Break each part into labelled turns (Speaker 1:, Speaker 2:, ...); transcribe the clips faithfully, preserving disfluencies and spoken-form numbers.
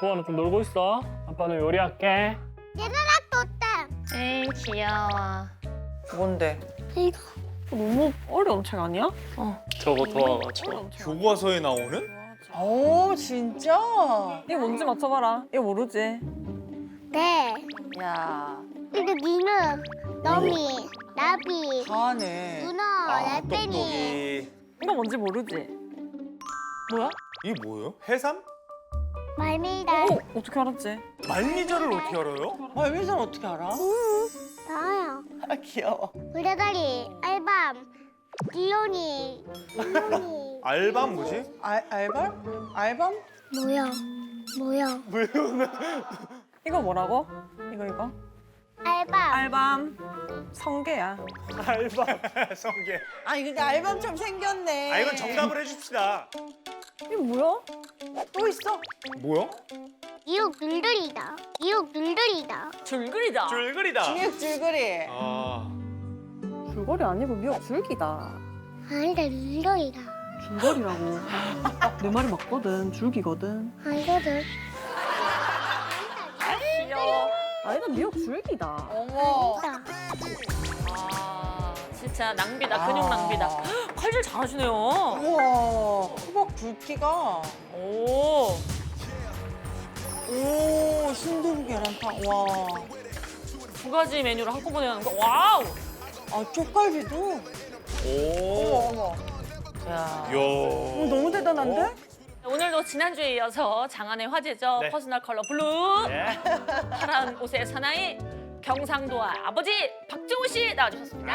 Speaker 1: 도아는 좀 놀고 있어. 아빠는 요리할게.
Speaker 2: 얘들아 떴다.
Speaker 3: 에이 귀여워.
Speaker 4: 뭔데?
Speaker 2: 이거
Speaker 4: 너무 어려운 책 아니야?
Speaker 1: 저거 도아가 저.
Speaker 5: 교과서에 나오는?
Speaker 4: 오 진짜? 이거 뭔지 맞춰봐라. 이거 모르지?
Speaker 2: 네.
Speaker 4: 야
Speaker 2: 이거 니누, 너미, 나비,
Speaker 4: 다네.
Speaker 2: 문어,
Speaker 5: 아,
Speaker 2: 날빼미.
Speaker 5: 똑똑이.
Speaker 4: 이거 뭔지 모르지?
Speaker 3: 뭐야?
Speaker 5: 이게 뭐예요? 해삼?
Speaker 2: 말미다.
Speaker 4: 오 어떻게 알았지?
Speaker 5: 말미잘을 어떻게 알아요?
Speaker 4: 말미잘 어떻게 알아?
Speaker 2: 응. 나야.
Speaker 4: 아 귀여워.
Speaker 2: 우레다리, 알밤, 디오니, 디오니.
Speaker 5: 알밤 뭐지?
Speaker 4: 알 알밤? 알밤?
Speaker 2: 뭐야? 뭐야?
Speaker 4: 이거 뭐라고? 이거 이거?
Speaker 2: 알밤.
Speaker 4: 알밤 성게야.
Speaker 5: 알밤. 성게.
Speaker 4: 아 이거 알밤처럼 생겼네.
Speaker 5: 아 이건 정답을 해줍시다.
Speaker 4: 이거 뭐야? 또 있어?
Speaker 5: 뭐야?
Speaker 2: 이육 눌들이다. 이육 눌들이다.
Speaker 3: 줄거리다.
Speaker 5: 줄거리다.
Speaker 4: 미역 줄거리.
Speaker 5: 아.
Speaker 4: 줄거리 아니고 미역 줄기다.
Speaker 2: 아니다 눌들이다.
Speaker 4: 줄거리라고. 내 말이 맞거든. 줄기거든.
Speaker 2: 아니거든.
Speaker 3: 귀여워.
Speaker 4: 아니다 미역 줄기다. 어머.
Speaker 2: 아니다.
Speaker 3: 아 진짜 낭비다. 근육 낭비다. 칼질 잘하시네요.
Speaker 4: 우와. 호박 굵기가.
Speaker 3: 오.
Speaker 4: 오 순두부 계란탕. 와.
Speaker 3: 두 가지 메뉴를 한꺼번에 하는 거. 와우.
Speaker 4: 아 쪽갈비도.
Speaker 5: 오.
Speaker 4: 어머.
Speaker 3: 야.
Speaker 5: 이야.
Speaker 4: 어, 너무 대단한데?
Speaker 3: 오늘도 지난주에 이어서 장안의 화제죠.
Speaker 5: 네.
Speaker 3: 퍼스널 컬러 블루.
Speaker 5: 네.
Speaker 3: 파란 옷의 사나이 경상도와 아버지 박정우 씨 나와주셨습니다.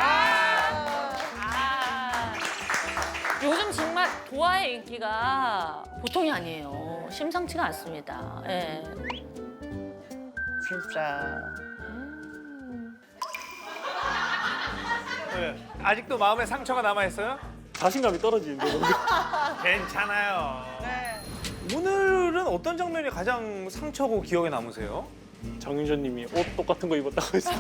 Speaker 3: 아. 요즘 정말 도화의 인기가 보통이 아니에요. 심상치가 않습니다. 예.
Speaker 4: 진짜.
Speaker 5: 네. 아직도 마음에 상처가 남아 있어요?
Speaker 1: 자신감이 떨어지는데.
Speaker 5: 괜찮아요.
Speaker 4: 네.
Speaker 5: 오늘은 어떤 장면이 가장 상처고 기억에 남으세요?
Speaker 1: 정윤전님이 옷 똑같은 거 입었다고 했어요.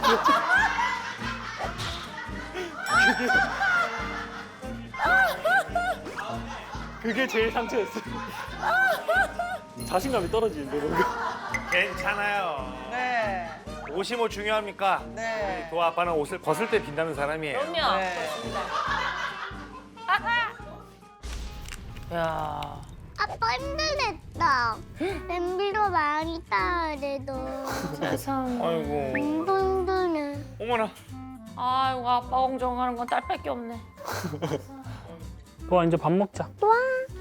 Speaker 1: 그게, 그게 제일 상처였어요. 자신감이 떨어지는데 뭔가.
Speaker 5: 괜찮아요.
Speaker 4: 네.
Speaker 5: 옷이 뭐 중요합니까?
Speaker 4: 네.
Speaker 5: 도아 아빠는 옷을 벗을 때 빛나는 사람이에요.
Speaker 3: 그럼요.
Speaker 4: 네.
Speaker 3: 야.
Speaker 2: 아빠 힘들겠다. 냄비로 많이 따야 돼도.
Speaker 3: 세상.
Speaker 5: 아이고.
Speaker 2: 힘들네.
Speaker 5: 어머나.
Speaker 3: 아이고 아빠 걱정하는 건 딸밖에 없네.
Speaker 1: 도아 이제 밥 먹자.
Speaker 2: 와.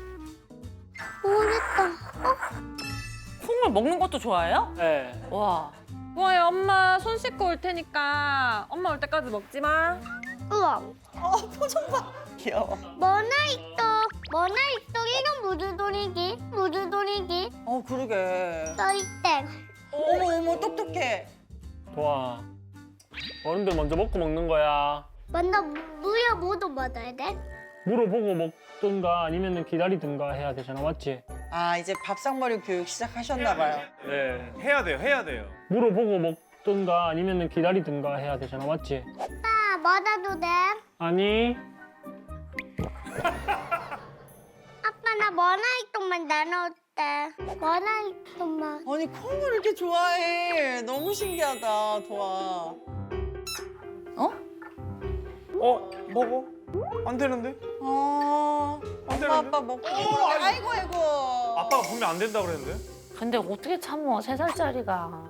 Speaker 2: 모르겠다.
Speaker 3: 콩을 먹는 것도 좋아해요?
Speaker 1: 네.
Speaker 3: 와.
Speaker 4: 우와야 엄마 손 씻고 올 테니까 엄마 올 때까지 먹지 마.
Speaker 2: 우와.
Speaker 4: 어 표정 봐. 귀여워.
Speaker 2: 머나이떡. 머나이떡 이건 무슨 소리지? 무슨 소리지?
Speaker 4: 어 그러게.
Speaker 2: 떠이땡.
Speaker 4: 어머 어머 똑똑해.
Speaker 1: 도아. 어른들 먼저 먹고 먹는 거야.
Speaker 2: 먼저 무야 뭐도 받아야 돼?
Speaker 1: 물어보고 먹든가 아니면 기다리든가 해야 되잖아, 맞지?
Speaker 4: 아 이제 밥상머리 교육 시작하셨나 봐요.
Speaker 5: 네. 해야 돼요. 해야 돼요.
Speaker 1: 물어보고 먹든가 아니면 기다리든가 해야 되잖아, 맞지?
Speaker 2: 아빠 받아도 돼?
Speaker 1: 아니.
Speaker 2: 아빠 나 머나이떡만 나눠올게. 머나이떡만.
Speaker 4: 아니 콩을 이렇게 좋아해. 너무 신기하다 도아.
Speaker 5: 어? 먹어? 안 되는데?
Speaker 4: 아
Speaker 5: 안
Speaker 4: 엄마
Speaker 5: 되는데?
Speaker 4: 아빠 먹고. 아이고 아이고.
Speaker 5: 아빠가 분명 안 된다 그랬는데?
Speaker 3: 근데 어떻게 참어 세 살짜리가.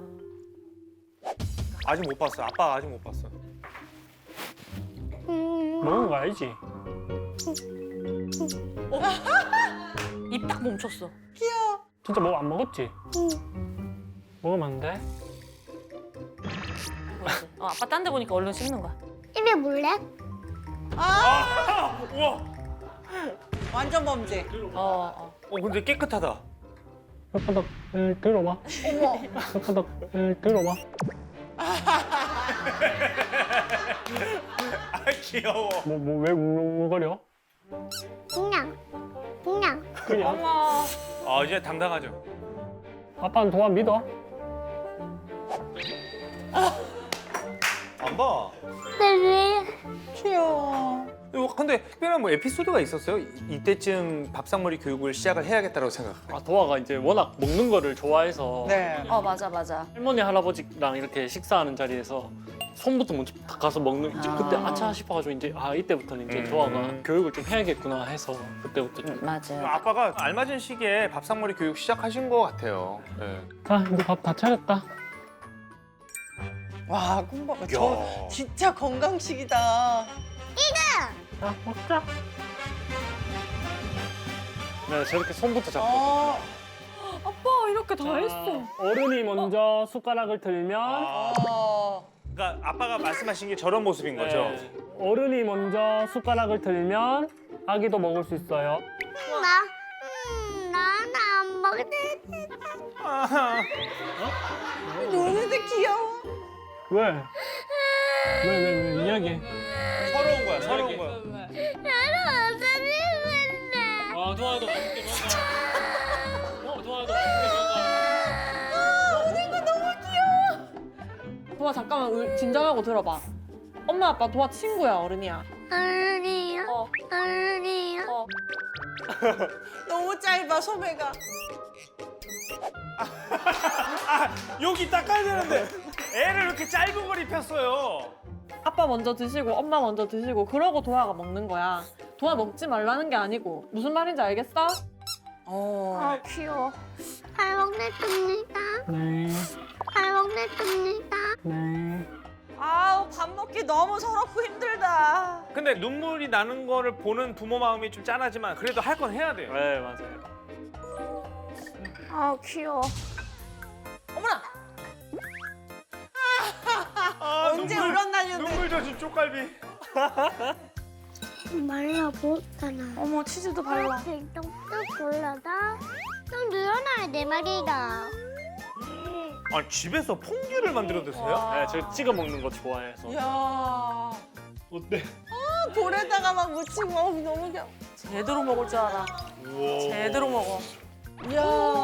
Speaker 5: 아직 못 봤어. 아빠가 아직 못 봤어.
Speaker 2: 음.
Speaker 1: 먹은 거 알지?
Speaker 3: 입 딱 멈췄어.
Speaker 4: 귀여워.
Speaker 1: 진짜 뭐 안 먹었지?
Speaker 2: 음.
Speaker 1: 먹으면 안 돼?
Speaker 3: 뭐지? 어, 아빠 딴 데 보니까 얼른 씹는 거야.
Speaker 2: 입에 물래?
Speaker 4: 아
Speaker 5: 우와.
Speaker 4: 완전 범죄.
Speaker 3: 어, 어.
Speaker 5: 어 근데 깨끗하다.
Speaker 1: 혓바닥 을 들어봐.
Speaker 4: 어머.
Speaker 1: 혓바닥 을 들어봐.
Speaker 5: 아 귀여워.
Speaker 1: 뭐 뭐 왜 울거려?
Speaker 2: 그냥. 그냥.
Speaker 1: 그냥.
Speaker 3: 어머.
Speaker 5: 아 이제 당당하죠.
Speaker 1: 아빠는 도아 믿어.
Speaker 5: 안 봐.
Speaker 2: 네, 왜?
Speaker 4: 귀여워.
Speaker 5: 이거 근데 특별한 뭐 에피소드가 있었어요? 이- 이때쯤 밥상머리 교육을 시작을 해야겠다고 생각해요.
Speaker 1: 아 도아가 이제 워낙 먹는 거를 좋아해서
Speaker 6: 네.
Speaker 3: 어 맞아 맞아.
Speaker 1: 할머니 할아버지랑 이렇게 식사하는 자리에서 손부터 먼저 딱 가서 먹는 이제 그때
Speaker 3: 아.
Speaker 1: 아차 싶어가지고 이제 아 이때부터는 이제
Speaker 5: 음.
Speaker 1: 도아가 교육을 좀 해야겠구나 해서 그때부터 좀.
Speaker 3: 맞아.
Speaker 5: 아빠가 알맞은 시기에 밥상머리 교육 시작하신 것 같아요. 네.
Speaker 1: 자 이제 밥 다 차렸다.
Speaker 6: 와, 콩밥. 저 진짜 건강식이다.
Speaker 1: 자 먹자. 네 저렇게 손부터 잡고.
Speaker 6: 어.
Speaker 4: 아빠 이렇게 다 했어.
Speaker 1: 어른이 먼저 숟가락을 들면
Speaker 5: 아,
Speaker 6: 어.
Speaker 5: 그러니까 아빠가 말씀하신 게 저런 모습인 거죠?
Speaker 1: 네. 어른이 먼저 숟가락을 들면 아기도 먹을 수 있어요.
Speaker 2: 나, 음, 나는 안 먹을 때.
Speaker 5: 아하.
Speaker 6: 노는데 귀여워.
Speaker 1: 왜? 왜 왜 왜 이야기?
Speaker 5: 서러운 거야, 서러운 거야.
Speaker 2: 나는 어른인데.
Speaker 1: 아 도아도 맛있게 먹어. 어 도아도 맛있게
Speaker 4: 도아 잠깐만 울- 진정하고 들어봐. 엄마 아빠 도아 친구야 어른이야.
Speaker 2: 어른이요?
Speaker 4: 어.
Speaker 2: 어른이요?
Speaker 4: 어.
Speaker 6: 너무 짧아, 소매가.
Speaker 5: 여기 닦아야 되는데 애를 이렇게 짧은 걸 입혔어요.
Speaker 4: 아빠 먼저 드시고 엄마 먼저 드시고 그러고 도아가 먹는 거야. 도아 먹지 말라는 게 아니고 무슨 말인지 알겠어?
Speaker 6: 어.
Speaker 2: 아, 귀여워. 잘 먹겠습니다.
Speaker 1: 네.
Speaker 2: 잘 먹겠습니다.
Speaker 1: 네.
Speaker 6: 아우, 밥 먹기 너무 서럽고 힘들다.
Speaker 5: 근데 눈물이 나는 거를 보는 부모 마음이 좀 짠하지만 그래도 할 건 해야 돼요.
Speaker 1: 네 맞아요.
Speaker 2: 아, 귀여워.
Speaker 6: 어머나.
Speaker 5: 아,
Speaker 6: 언제
Speaker 5: 눈물,
Speaker 6: 울었나는데.
Speaker 5: 눈물 젖은 쪽갈비.
Speaker 2: 말라보잖아.
Speaker 6: 어머, 치즈도 발라.
Speaker 2: 뚝뚝 올라다. 좀 늘어나야 내 말이다.
Speaker 5: 아 집에서 퐁듀를 만들어 드세요?
Speaker 1: 네, 저 찍어 먹는 거 좋아해서.
Speaker 6: 이야.
Speaker 1: 어때?
Speaker 6: 볼에다가 막 묻히고 어, 너무 귀여워. 제대로 먹을 줄 알아.
Speaker 5: 우와.
Speaker 6: 제대로 먹어. 이야.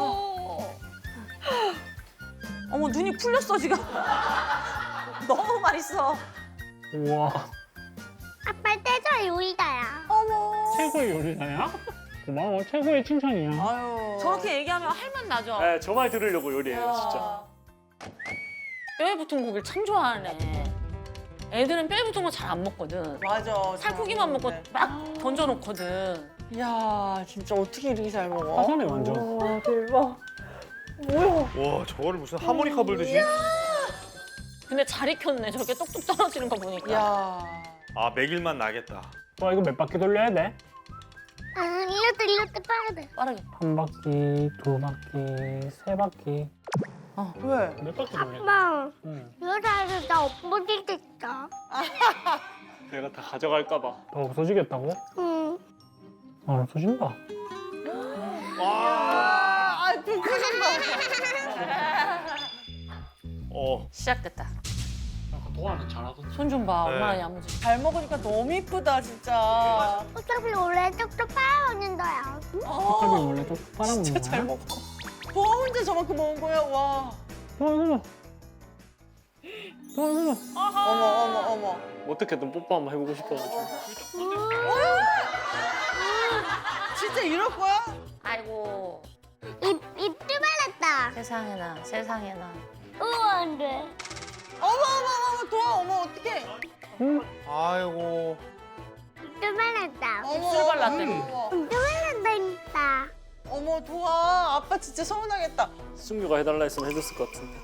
Speaker 6: 어머, 눈이 풀렸어, 지금. 너무 맛있어.
Speaker 1: 우와.
Speaker 2: 아빠 떼자 요리다야.
Speaker 6: 어머.
Speaker 1: 최고의 요리사야? 고마워. 최고의 칭찬이야.
Speaker 6: 아유.
Speaker 3: 저렇게 얘기하면 할만 나죠.
Speaker 1: 네, 저 말 들으려고 요리해요, 진짜.
Speaker 6: 아.
Speaker 3: 뼈에 붙은 고기를 참 좋아하네. 애들은 뼈에 붙은 거 잘 안 먹거든.
Speaker 6: 맞아.
Speaker 3: 살코기만 먹고 막 던져놓거든.
Speaker 6: 이야, 진짜 어떻게 이렇게 잘 먹어?
Speaker 1: 화산에 완전.
Speaker 4: 와 대박. 뭐야?
Speaker 5: 와 저거를 무슨 하모니카 불듯이?
Speaker 3: 근데 잘 익혔네. 저렇게 똑똑 떨어지는 거 보니까.
Speaker 6: 이야.
Speaker 5: 아 매길만 나겠다.
Speaker 1: 와, 이거 몇 바퀴 돌려야 돼?
Speaker 2: 아, 이렇게 이렇게 빠야 돼.
Speaker 3: 빠르게.
Speaker 1: 한 바퀴, 두 바퀴, 세 바퀴.
Speaker 6: 왜?
Speaker 1: 몇 바퀴 돌려?
Speaker 2: 아빠,
Speaker 1: 응.
Speaker 2: 이러다가 나 없어지겠다.
Speaker 1: 내가 다 가져갈까 봐. 더 없어지겠다고?
Speaker 2: 응.
Speaker 1: 아, 없어진다.
Speaker 5: 와.
Speaker 6: 아, 그 표정 봐.
Speaker 5: 어.
Speaker 3: 시작됐다.
Speaker 1: 도아는 잘하거든.
Speaker 3: 손 좀 봐.
Speaker 5: 네.
Speaker 3: 얼마나 야무지.
Speaker 6: 잘 먹으니까 너무 이쁘다, 진짜.
Speaker 2: 어차피 원래 쪽쪽 빨아먹는 거야.
Speaker 1: 색깔이
Speaker 6: 어,
Speaker 1: 원래 좀 빨아먹는
Speaker 6: 진짜
Speaker 1: 거야?
Speaker 6: 잘 먹어. 도아 혼자 저만큼 먹은 거야, 와.
Speaker 1: 도아, 이거 봐. 도아, 이거 봐.
Speaker 6: 어머, 어머, 어머.
Speaker 1: 어떻게든 뽀뽀 한번 해보고 싶어가지고.
Speaker 6: 진짜 이럴 거야?
Speaker 3: 아이고.
Speaker 2: 입, 입도 발랐다.
Speaker 3: 세상에나 세상에나.
Speaker 2: 우와, 안 돼.
Speaker 6: 어머, 어머, 어머, 도아, 어머, 어떡해.
Speaker 1: 응?
Speaker 5: 아이고.
Speaker 2: 입도 발랐다.
Speaker 6: 어머,
Speaker 3: 입술 발랐대.
Speaker 6: 어머, 어머.
Speaker 2: 입도 발랐다니까.
Speaker 6: 어머, 도아, 아빠 진짜 서운하겠다.
Speaker 1: 승규가 해달라 했으면 해줬을 것 같은데.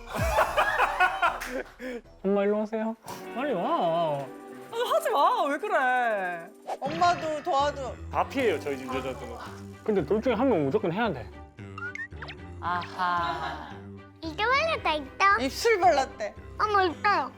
Speaker 1: 엄마 일로 오세요. 빨리 와.
Speaker 6: 하지 마, 왜 그래? 엄마도 도아도.
Speaker 1: 다 피해요, 저희 집 여자들은. 근데 둘 중에 한 명 무조건 해야 돼.
Speaker 3: 아하.
Speaker 2: 입도 발랐다, 있다.
Speaker 6: 입술 발랐대.
Speaker 2: 어머, 있다.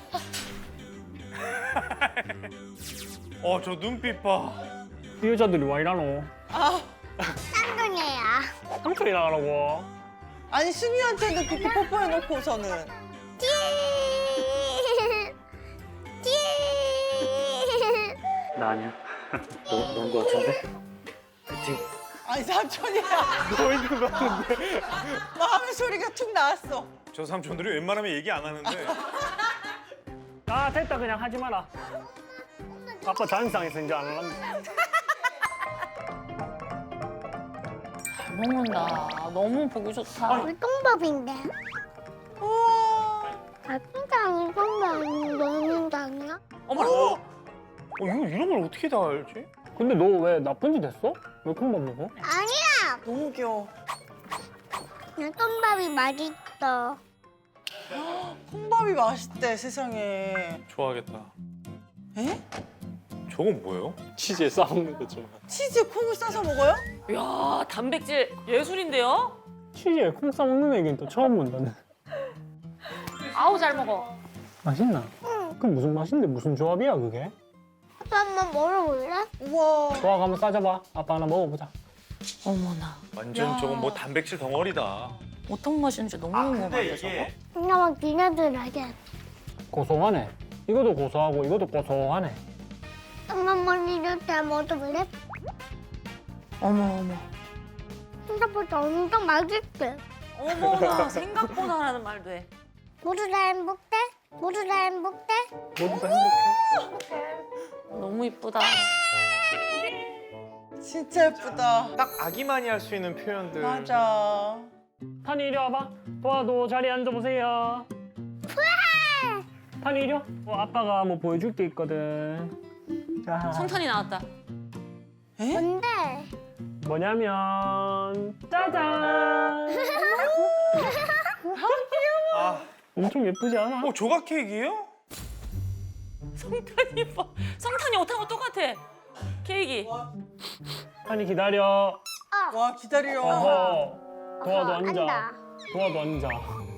Speaker 5: 어 저 눈빛 봐.
Speaker 1: 이 여자들이 와 이라노.
Speaker 6: 아,
Speaker 2: 쌍둥이야.
Speaker 1: 삼촌이 나가라고.
Speaker 6: 아니, 순이한테도 그렇게 뽀뽀해놓고서는.
Speaker 2: 띠. 띠.
Speaker 1: 나 아니야. 너, 너인 것 같은데?
Speaker 6: 아니, 삼촌이야.
Speaker 5: 너인 것 같은데.
Speaker 6: 마음의 소리가 툭 나왔어.
Speaker 5: 저 삼촌들이 웬만하면 얘기 안 하는데.
Speaker 1: 아 됐다 그냥 하지 마라.
Speaker 2: 엄마,
Speaker 1: 아빠 자연상에서 이제 안 할란다.
Speaker 3: 잘 먹는다. 너무 보기 좋다.
Speaker 2: 물통밥인데.
Speaker 6: 우와.
Speaker 2: 달팽이장이 성장이 너는 장이야?
Speaker 3: 어머.
Speaker 5: 어, 이거 이런 걸 어떻게 다 알지?
Speaker 1: 근데 너 왜 나쁜 짓 했어? 왜 콩밥 먹어?
Speaker 2: 아니야.
Speaker 6: 너무 귀여워.
Speaker 2: 물통밥이 맛있어.
Speaker 6: 콩밥이 맛있대 세상에.
Speaker 5: 좋아하겠다.
Speaker 6: 에?
Speaker 5: 저건 뭐예요?
Speaker 1: 치즈에 싸먹는 거죠.
Speaker 6: 치즈에 콩을 싸서 먹어요?
Speaker 3: 야 단백질 예술인데요?
Speaker 1: 치즈에 콩 싸먹는 애기는 또 처음 본다네.
Speaker 3: 아우 잘 먹어.
Speaker 1: 맛있나? 그럼 무슨 맛인데 무슨 조합이야 그게?
Speaker 2: 아빠 한번 먹어볼래?
Speaker 6: 우와.
Speaker 1: 좋아 한번 싸줘봐. 아빠 하나 먹어보자.
Speaker 3: 어머나.
Speaker 5: 완전
Speaker 6: 야.
Speaker 5: 저건 뭐 단백질 덩어리다.
Speaker 3: 어떤 맛인지 너무 궁금한데 저거.
Speaker 2: 그냥 니네들 알게.
Speaker 1: 고소하네. 이것도 고소하고 이것도 고소하네.
Speaker 2: 엄마 니네들 먹어볼래?
Speaker 3: 어머 어머.
Speaker 2: 생각보다 엄청 맛있대.
Speaker 3: 어머나 생각보다라는 말도 해.
Speaker 2: 모두 다 행복해? 모두 다 행복해?
Speaker 1: 모두 다 행복해.
Speaker 3: 너무 이쁘다.
Speaker 6: 진짜 예쁘다.
Speaker 5: 딱 아기만이 할 수 있는 표현들.
Speaker 6: 맞아.
Speaker 1: 탄이 이리 와봐. 도와도 자리에 앉아보세요. 탄이 이리 와. 어, 아빠가 뭐 보여줄 게 있거든. 자,
Speaker 3: 성탄이 나왔다.
Speaker 2: 뭔데?
Speaker 1: 뭐냐면 짜잔.
Speaker 5: 아,
Speaker 1: 엄청 예쁘지 않아?
Speaker 5: 어 조각 케이크예요?
Speaker 3: 성탄이 예뻐. 성탄이 옷하고 똑같아. 케이크.
Speaker 1: 탄이 기다려.
Speaker 6: 와 기다려.
Speaker 1: 어허. 도와도
Speaker 2: 어허,
Speaker 1: 앉아.
Speaker 2: 앉아.
Speaker 1: 도와도 앉아.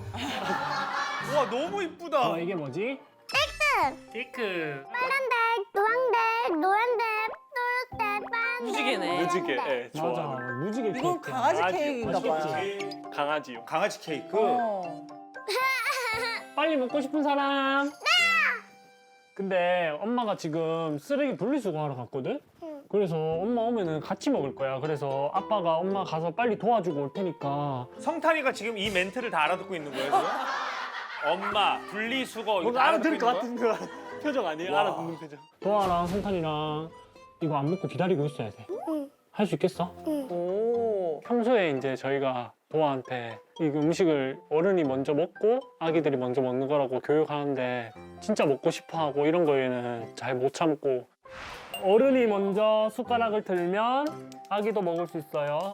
Speaker 5: 와 너무 이쁘다.
Speaker 1: 어, 이게 뭐지? 케이크. 케이크.
Speaker 2: 파란색, 노란색, 노란색, 초록색, 파란색.
Speaker 3: 무지개네.
Speaker 1: 무지개.
Speaker 2: 노란색.
Speaker 1: 예, 좋아. 맞아. 무지개 케이크.
Speaker 6: 이건 강아지 케이크인가 봐.
Speaker 1: 맛있겠지? 강아지요.
Speaker 5: 강아지 케이크.
Speaker 6: 어.
Speaker 1: 빨리 먹고 싶은 사람? 네! 근데 엄마가 지금 쓰레기 분리수거하러 갔거든?
Speaker 2: 응.
Speaker 1: 그래서 엄마 오면은 같이 먹을 거야. 그래서 아빠가 엄마 가서 빨리 도와주고 올 테니까.
Speaker 5: 성탄이가 지금 이 멘트를 다 알아듣고 있는 거예요, 지금? 엄마, 분리수거 이거 다 알아듣고 있는 거야?
Speaker 1: 거 표정 아니에요?
Speaker 5: 와.
Speaker 1: 알아듣는 표정. 도아랑 성탄이랑 이거 안 먹고 기다리고 있어야 돼.
Speaker 2: 응.
Speaker 1: 할 수 있겠어?
Speaker 6: 오.
Speaker 1: 평소에 이제 저희가 도아한테 이 음식을 어른이 먼저 먹고 아기들이 먼저 먹는 거라고 교육하는데 진짜 먹고 싶어 하고 이런 거에는 잘 못 참고 어른이 먼저 숟가락을 들면 아기도 먹을 수 있어요.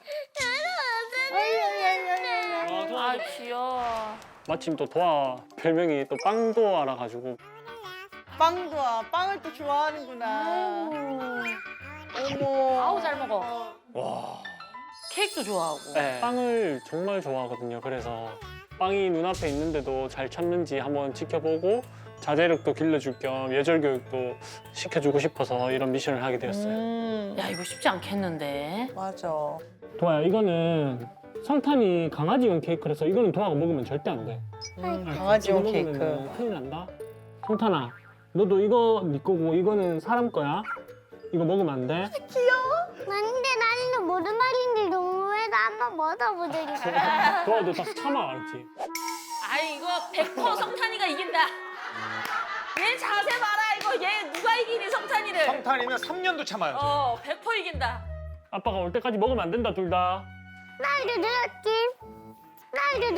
Speaker 1: 어, 도아,
Speaker 3: 아 귀여워.
Speaker 1: 마침 또 도아 별명이 또 빵도아라 가지고
Speaker 6: 빵도 와. 빵을 또 좋아하는구나. 어머.
Speaker 3: 아우 잘 먹어.
Speaker 5: 와.
Speaker 3: 케이크도 좋아하고.
Speaker 1: 네, 빵을 정말 좋아하거든요. 그래서 빵이 눈앞에 있는데도 잘 참는지 한번 지켜보고 자제력도 길러줄 겸 예절 교육도 시켜주고 싶어서 이런 미션을 하게 되었어요.
Speaker 6: 음.
Speaker 3: 야 이거 쉽지 않겠는데.
Speaker 6: 맞아.
Speaker 1: 도아야, 이거는 성탄이 강아지용 케이크라서 이거는 도아가 먹으면 절대 안 돼.
Speaker 6: 음, 강아지용
Speaker 1: 이거
Speaker 6: 케이크.
Speaker 1: 먹으면은 큰일 난다. 성탄아, 너도 이거 네 거고 이거는 사람 거야. 이거 먹으면 안 돼.
Speaker 2: 근데 나는 무슨 말인지 너무해서 한번 먹어보자.
Speaker 1: 도아도 딱 참아, 알았지?
Speaker 3: 아 이거 백 퍼센트 성탄이가 이긴다. 얘 자세 봐라 이거 얘 누가 이기니 성탄이를.
Speaker 5: 성탄이는 삼 년도 참아요.
Speaker 3: 어 백 퍼센트 이긴다.
Speaker 1: 아빠가 올 때까지 먹으면 안 된다, 둘 다.
Speaker 2: 나 이제 늘었지. 나 이제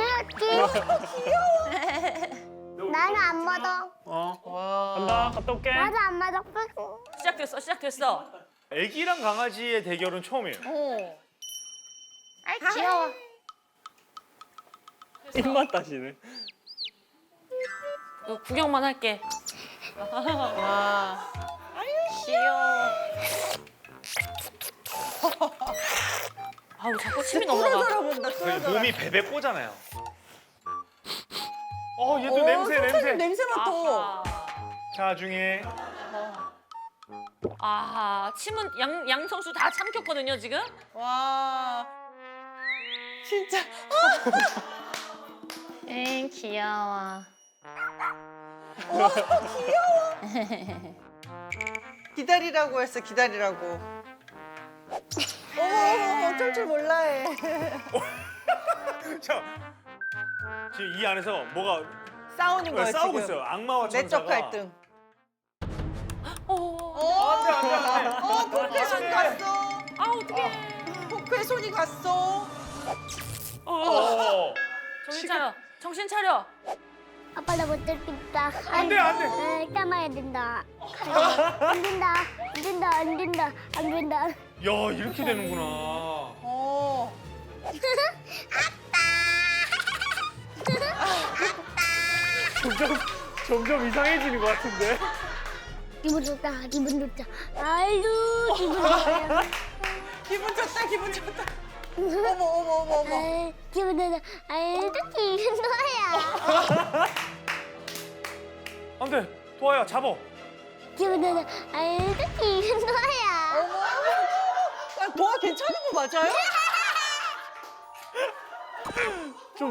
Speaker 2: 늘었지. 나는 안 먹어.
Speaker 1: 어,
Speaker 6: 와.
Speaker 1: 간다. 갔다 올게.
Speaker 2: 나도 안 먹어.
Speaker 3: 시작됐어 시작됐어.
Speaker 5: 애기랑 강아지의 대결은 처음이에요.
Speaker 3: 어.
Speaker 2: 아이 귀여워.
Speaker 1: 입맛 다시네.
Speaker 3: 이거 구경만 할게.
Speaker 6: 와.
Speaker 3: 귀여워. 아우 자꾸 침이 넘어가.
Speaker 6: 뚫어져라
Speaker 5: 저희
Speaker 6: 뚫어져라.
Speaker 5: 몸이 베베 꼬잖아요. 어, 얘도
Speaker 6: 어,
Speaker 5: 냄새,
Speaker 6: 성탄이
Speaker 5: 냄새.
Speaker 6: 냄새 맡아.
Speaker 3: 아하.
Speaker 5: 자중에
Speaker 3: 아하. 침은 양 양성수 다 참켰거든요 지금.
Speaker 6: 와. 진짜.
Speaker 3: 엥 귀여워.
Speaker 6: 기다리라고 했어, 기다리라고. 어머, 어머, 어쩔 줄 몰라 해.
Speaker 5: 자, 지금 이 안에서 뭐가
Speaker 6: 싸우는 거야,
Speaker 5: 싸우고
Speaker 6: 지금.
Speaker 5: 있어요. 악마와
Speaker 6: 내적
Speaker 5: 천사가.
Speaker 6: 갈등.
Speaker 3: 어.
Speaker 6: 어,
Speaker 5: 안돼 안돼 안돼.
Speaker 6: 어, 포크에 손 갔어.
Speaker 3: 아 어떡해.
Speaker 6: 포크에 손이 갔어.
Speaker 5: 어.
Speaker 3: 정신 차려. 정신 차려.
Speaker 2: 아빠 나 못 들겠다.
Speaker 5: 안 돼, 안 돼.
Speaker 2: 아, 참아야 된다. 안 된다. 안 된다. 안 된다. 안 된다.
Speaker 5: 야 이렇게 되는구나.
Speaker 6: 어.
Speaker 5: 점점 점점 이상해지는 것 같은데.
Speaker 2: 기분 좋다. 기분 좋다. 아이고 기분 좋다.
Speaker 6: 기분 좋다, 기분 좋다. 어머, 어머, 어머, 어머.
Speaker 2: 아이, 기분 좋다. 아이고 기분 좋아요.
Speaker 5: 안돼 도아야 잡어.
Speaker 2: 기분 좋다. 아이고 기분 좋아요.
Speaker 6: 어머, 아, 도아 괜찮은 거 맞아요?
Speaker 5: 좀.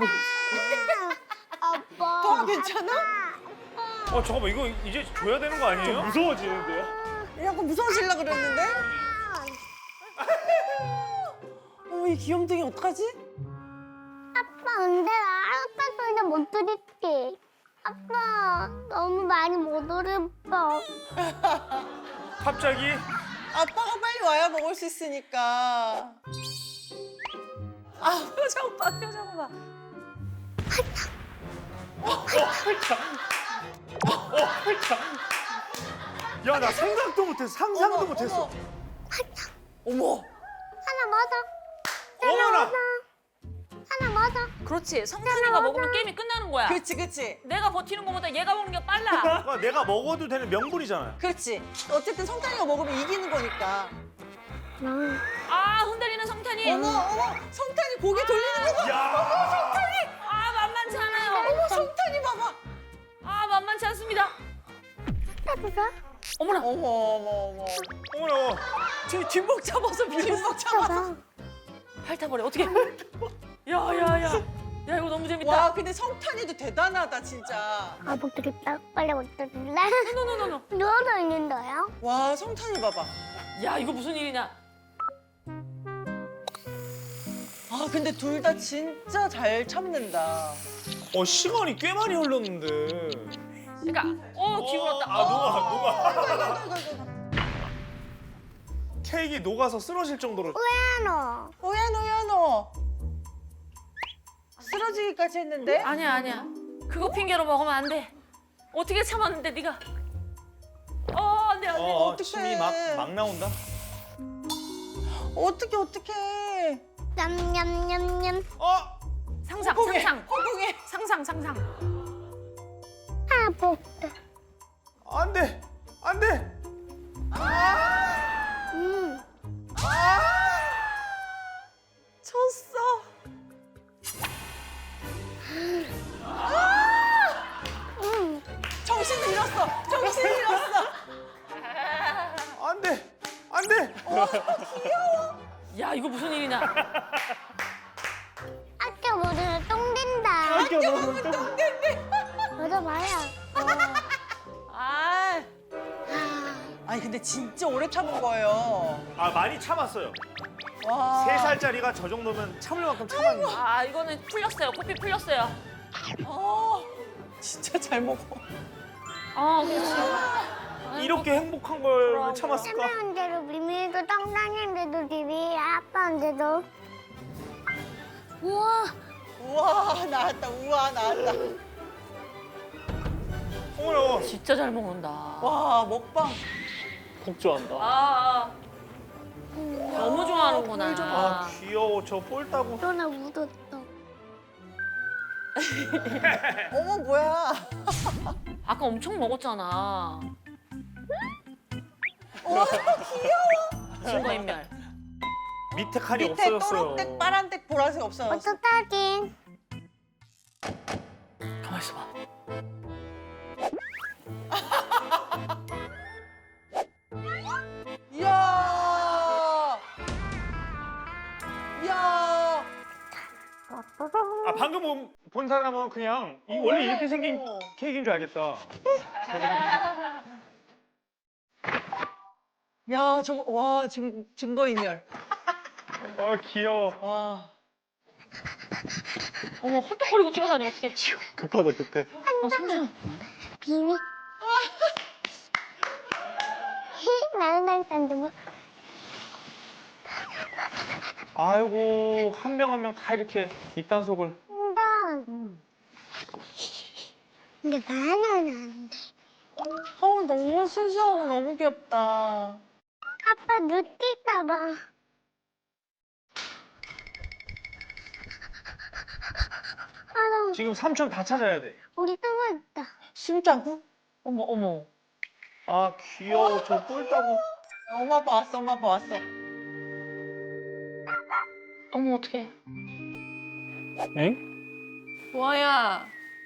Speaker 2: 아빠.
Speaker 6: 도아 괜찮아?
Speaker 5: 어 잠깐만 이거 이제 줘야 되는 거 아니에요? 무서워지는데요?
Speaker 6: 약간 무서워지려고 그랬는데? 어머, 이 귀염둥이 어떡하지?
Speaker 2: 아빠 근데 나 아빠 소리는 못 들을게. 아빠 너무 많이 못 들었어.
Speaker 5: 갑자기
Speaker 6: 아빠가 빨리 와야 먹을 수 있으니까. 아, 표정 봐, 표정 봐.
Speaker 5: 야 나 생각도 못했어 상상도
Speaker 6: 어머,
Speaker 5: 못했어.
Speaker 6: 어머. 어머.
Speaker 2: 하나 맞아.
Speaker 5: 어머나.
Speaker 2: 하나 맞아.
Speaker 3: 그렇지. 성탄이가 먹으면 게임이 끝나는 거야.
Speaker 6: 그렇지, 그렇지.
Speaker 3: 내가 버티는 것보다 얘가 먹는 게 빨라.
Speaker 5: 그러니까 내가 먹어도 되는 명분이잖아요.
Speaker 6: 그렇지. 어쨌든 성탄이가 먹으면 이기는 거니까.
Speaker 3: 아 흔들리는 성탄이.
Speaker 6: 어머, 어머, 성탄이 고개 돌리는 거 봐.
Speaker 5: 야.
Speaker 3: 아 만만치 않아요.
Speaker 6: 어머, 성탄이 봐봐.
Speaker 3: 아 만만치 않습니다.
Speaker 2: 따뜻해?
Speaker 3: 어머나.
Speaker 6: 어머, 어머, 어머.
Speaker 5: 어머나.
Speaker 6: 지금 뒷목 잡아서 뒷목 잡아서.
Speaker 2: 봐봐.
Speaker 3: 핥아버려. 어떻게? 야야야. 야 이거 너무 재밌다.
Speaker 6: 와, 근데 성탄이도 대단하다, 진짜.
Speaker 2: 아, 못 들겠다. 빨리 못 들을래?
Speaker 3: 노노노노.
Speaker 2: 누워서 있는데요?
Speaker 6: 와, 성탄이 봐봐.
Speaker 3: 야 이거 무슨 일이냐?
Speaker 6: 아, 근데 둘 다 진짜 잘 참는다.
Speaker 5: 어 시간이 꽤 많이 흘렀는데.
Speaker 3: 그러니까 어 기울었다.
Speaker 5: 아 녹아 녹아.
Speaker 6: 아이고, 아이고, 아이고, 아이고.
Speaker 5: 케이크 녹아서 쓰러질 정도로.
Speaker 2: 너.
Speaker 6: 오야노, 야노. 쓰러지기까지 했는데?
Speaker 3: 아니야 아니야. 그거 핑계로 먹으면 안 돼. 어떻게 참았는데 네가? 어 안돼 안돼.
Speaker 5: 어,
Speaker 6: 어떡해.
Speaker 5: 침이 막 막 나온다.
Speaker 6: 어떻게, 어떻게.
Speaker 2: 냠냠냠냠.
Speaker 5: 어.
Speaker 3: 상상
Speaker 6: 허공에,
Speaker 3: 상상
Speaker 6: 허공에.
Speaker 3: 상상 상상.
Speaker 2: 하나 볼게.
Speaker 5: 안돼 안돼.
Speaker 2: 음.
Speaker 6: 쳤어.
Speaker 2: 음.
Speaker 6: 정신을 잃었어. 정신을 잃었어.
Speaker 5: 안돼 안돼.
Speaker 3: 야 이거 무슨 일이냐?
Speaker 2: 학교 모두는 똥 된다.
Speaker 6: 학교 가면 똥 된대.
Speaker 2: 맞아, 봐요.
Speaker 3: 아
Speaker 6: 아니, 근데 진짜 오래 참은 거예요.
Speaker 5: 아 많이 참았어요.
Speaker 6: 와.
Speaker 5: 세 살짜리가 저 정도면 참을 만큼 참았는데.
Speaker 3: 아 이거는 풀렸어요. 코피 풀렸어요.
Speaker 6: 어, 진짜 잘 먹어.
Speaker 3: 아 그렇지.
Speaker 5: 이렇게 행복한 걸 참았을까?
Speaker 2: 세명대로 미미도 떡상인데도 비비 아빠인데도. 우와.
Speaker 6: 우와, 나왔다. 우와, 나왔다.
Speaker 5: 어머나.
Speaker 3: 진짜 잘 먹는다.
Speaker 6: 와, 먹방.
Speaker 1: 복주한다.
Speaker 3: 아, 아. 너무 좋아하는구나.
Speaker 5: 아 귀여워 저 볼 따고.
Speaker 2: 너나 묻었어.
Speaker 6: 어머, 뭐야.
Speaker 3: 아까 엄청 먹었잖아.
Speaker 6: 와, 귀여워.
Speaker 3: 증거인멸.
Speaker 5: 밑에 칸이
Speaker 6: 밑에
Speaker 5: 없어졌어요.
Speaker 6: 초록색, 파란색, 보라색 없어졌어.
Speaker 2: 어떡하긴.
Speaker 3: 가만 있어봐.
Speaker 6: 이야. 이야.
Speaker 5: 아 방금 본, 본 사람은 그냥 이 원래 이렇게 생긴 케이크인 줄 알겠다.
Speaker 6: 야, 저거, 와, 증, 증거인멸.
Speaker 5: 아 귀여워.
Speaker 6: 와.
Speaker 3: 어머 헐떡거리고 뛰어다니 어떡해.
Speaker 1: 급하다 급해.
Speaker 3: 어, 성준.
Speaker 2: 비밀. 나는 일단 누구?
Speaker 5: 아이고 한 명 한 명 다 이렇게 입단속을.
Speaker 2: 근데 근데 바나나는 안 돼.
Speaker 6: 어 너무 순수하고 너무 귀엽다.
Speaker 2: 아빠 눈뜰까 봐. 아, 나
Speaker 5: 지금 삼촌 다 찾아야 돼.
Speaker 2: 우리 숨어있다.
Speaker 6: 숨자고? 어머 어머.
Speaker 5: 아 귀여워 저 뿔따구.
Speaker 6: 엄마 아빠 왔어 엄마 아빠 왔어.
Speaker 3: 어머 어떡해.
Speaker 1: 엥?
Speaker 4: 도아야.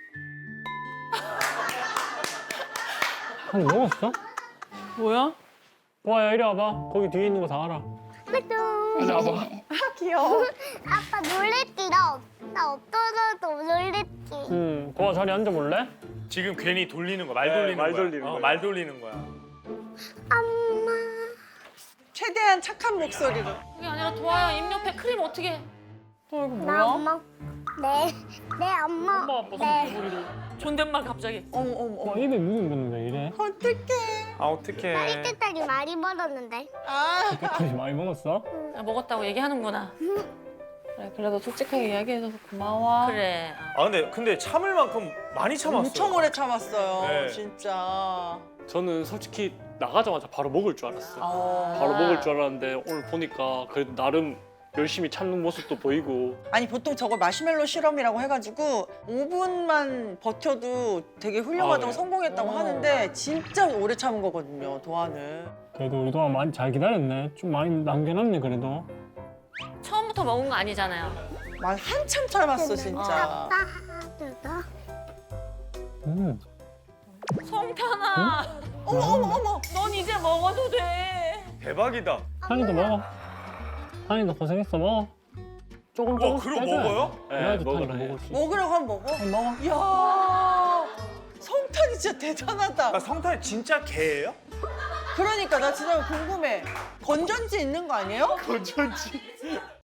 Speaker 1: 한입 먹었어?
Speaker 4: 뭐야?
Speaker 1: 도아야 이리 와봐. 거기 뒤에 있는 거 다 알아.
Speaker 2: 또
Speaker 1: 이리 와봐.
Speaker 6: 아 귀여워.
Speaker 2: 아빠 놀랬지? 나, 없- 나 없어져도 놀랬지?
Speaker 1: 응. 도아 자리 앉아볼래?
Speaker 5: 지금 괜히 돌리는 거야. 말 돌리는
Speaker 7: 말
Speaker 5: 거야.
Speaker 7: 돌리는
Speaker 5: 어,
Speaker 7: 거야.
Speaker 5: 말 돌리는 거야.
Speaker 2: 엄마.
Speaker 6: 최대한 착한 목소리로.
Speaker 3: 그게 아니라 도아야 입 옆에 크림 어떻게 해?
Speaker 4: 또 이거
Speaker 2: 나
Speaker 4: 뭐야?
Speaker 2: 엄마. 네, 네 엄마.
Speaker 1: 엄마 아빠
Speaker 2: 네.
Speaker 1: 목소리로.
Speaker 3: 존댓말 갑자기.
Speaker 6: 어머 어머
Speaker 1: 와
Speaker 6: 어머.
Speaker 1: 입에 묻은 거는 왜 이래?
Speaker 6: 어떡해.
Speaker 5: 아 어떡해.
Speaker 2: 나 이때까지 많이 벌었는데.
Speaker 6: 아.
Speaker 1: 그까지 많이 먹었어?
Speaker 3: 야, 먹었다고 얘기하는구나.
Speaker 4: 그래, 그래도 솔직하게 이야기해줘서 고마워.
Speaker 3: 그래.
Speaker 5: 아 근데 근데 참을 만큼 많이 참았어.
Speaker 6: 엄청 오래 참았어요.
Speaker 5: 네.
Speaker 6: 진짜.
Speaker 7: 저는 솔직히 나가자마자 바로 먹을 줄 알았어요.
Speaker 6: 어.
Speaker 7: 바로 먹을 줄 알았는데 오늘 보니까 그래도 나름 열심히 참는 모습도 보이고
Speaker 6: 아니 보통 저걸 마시멜로 실험이라고 해가지고 오 분만 버텨도 되게 훌륭하다고
Speaker 7: 아, 네.
Speaker 6: 성공했다고
Speaker 4: 어.
Speaker 6: 하는데 진짜 오래 참은 거거든요, 도아는.
Speaker 1: 그래도 우리 도아 많이 잘 기다렸네. 좀 많이 남겨놨네 그래도.
Speaker 3: 처음부터 먹은 거 아니잖아요.
Speaker 6: 막 한참 참았어 진짜.
Speaker 2: 아빠 하나
Speaker 1: 음.
Speaker 3: 성탄아.
Speaker 6: 어머 어머 어머.
Speaker 3: 넌 이제 먹어도 돼.
Speaker 5: 대박이다.
Speaker 1: 한이도 먹어. 한이도 고생했어 먹어. 조금
Speaker 5: 와
Speaker 1: 조금씩
Speaker 5: 그럼
Speaker 1: 빼줘야 돼.
Speaker 5: 먹어요?
Speaker 1: 그래야지
Speaker 7: 먹으라
Speaker 1: 탄이도
Speaker 7: 해.
Speaker 1: 먹을 수 있어.
Speaker 6: 먹으라고 하면 먹어.
Speaker 1: 한이 먹어.
Speaker 6: 이야. 성탄이 진짜 대단하다.
Speaker 5: 아, 성탄이 진짜 개예요?
Speaker 6: 그러니까 나 진짜 궁금해. 건전지 있는 거 아니에요?
Speaker 5: 건전지.